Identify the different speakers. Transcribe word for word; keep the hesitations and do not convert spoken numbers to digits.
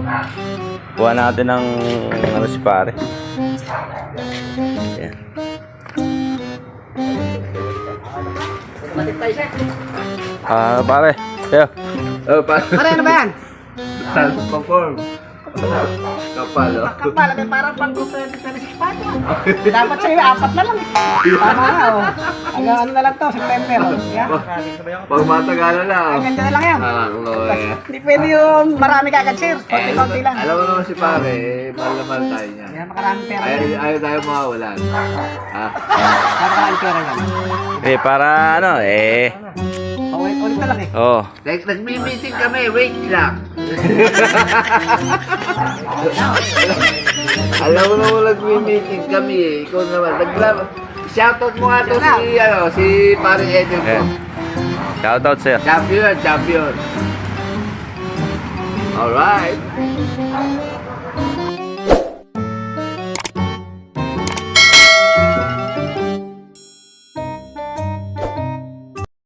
Speaker 1: Kuha natin ng ano si pare. Yan. Ah, pare. Yo.
Speaker 2: Oh, pa.
Speaker 3: Pare, ano ba yan?
Speaker 2: Perform. Kapal, oh.
Speaker 3: Kapal, may parang pang twenty twenty-six pa ito. Dapat sa'yo, apat na lang. Tama na, oh. Hanggang ano na lang to, September. Yan.
Speaker 2: Pag matagalan na, oh.
Speaker 3: Ang ganda na lang yan.
Speaker 2: Alam ko, eh.
Speaker 3: Hindi pwede yung marami kagad, sir.
Speaker 2: Eh,
Speaker 3: Konti-konti lang.
Speaker 2: alam mo naman si pare, eh, mahal na mahal tayo niya.
Speaker 3: Yan, makaraming pera
Speaker 2: Ayaw,
Speaker 3: yan.
Speaker 2: ayaw tayo mawawalan. Ha?
Speaker 3: Makaraming pera yan.
Speaker 1: Eh, para ano, eh.
Speaker 3: Oh, ulit, ulit na lang eh.
Speaker 1: Oh.
Speaker 2: Like, nagmi-meeting kami, wait lang. Alam mo naman nagmi-meeting kami eh. Ikaw naman. Nagla- Shoutout mo nga to si, ano, si pare Edel ko.
Speaker 1: Eh. Shout out, sir.
Speaker 2: Champion, champion. Alright.